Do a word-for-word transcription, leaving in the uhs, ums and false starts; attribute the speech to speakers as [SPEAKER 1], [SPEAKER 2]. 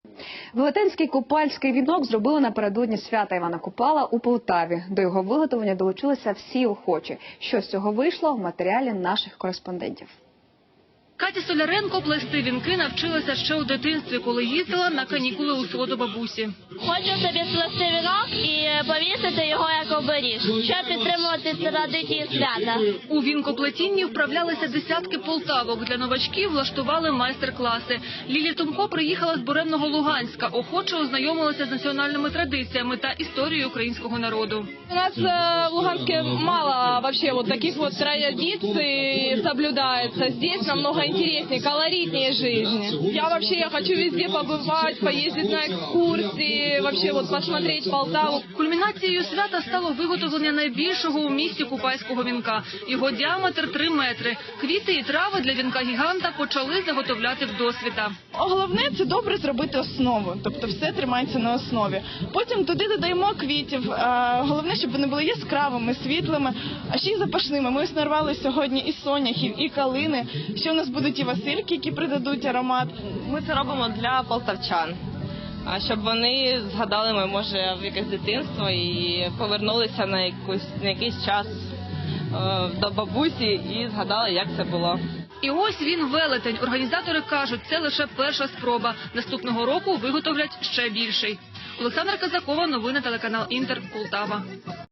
[SPEAKER 1] Велетенський купальський вінок зробили напередодні свята Івана Купала у Полтаві. До його виготовлення долучилися всі охочі. Що з цього вийшло в матеріалі наших кореспондентів.
[SPEAKER 2] Катя Соляренко плести вінки навчилася ще у дитинстві, коли їздила на канікули у село до бабусі.
[SPEAKER 3] Хочу собі сплести вінок і повісити його як оберіг, щоб підтримувати традиції свята.
[SPEAKER 2] У вінкоплетінні вправлялися десятки полтавок. Для новачків влаштували майстер-класи. Лілія Томко приїхала з буремного Луганська, охоче ознайомилася з національними традиціями та історією українського народу.
[SPEAKER 4] У нас в Луганске мало вообще вот таких вот традиций соблюдается. Здесь намного интереснее, колоритнее жизнь. Я вообще я хочу везде побывать, поездить на экскурсии, вообще вот посмотреть Полтаву.
[SPEAKER 2] Кульмінацією свята стало виготовлення найбільшого у місті купальського вінка. Його діаметр – три метри. Квіти і трави для вінка-гіганта почали заготовляти вдосвіта.
[SPEAKER 5] Головне – це добре зробити основу, тобто все тримається на основі. Потім туди додаємо квітів. Головне, щоб вони були яскравими, світлими, а ще й запашними. Ми ось нарвали сьогодні і соняхів, і калини. Ще у нас будуть і васильки, які придадуть аромат.
[SPEAKER 6] Ми це робимо для полтавчан, щоб вони згадали, може, в якесь дитинство і повернулися на, якусь, на якийсь час до бабусі і згадали, як це було.
[SPEAKER 2] І ось він велетень. Організатори кажуть, це лише перша спроба. Наступного року виготовлять ще більший. Олександра Казакова, новини телеканал Інтер, Полтава.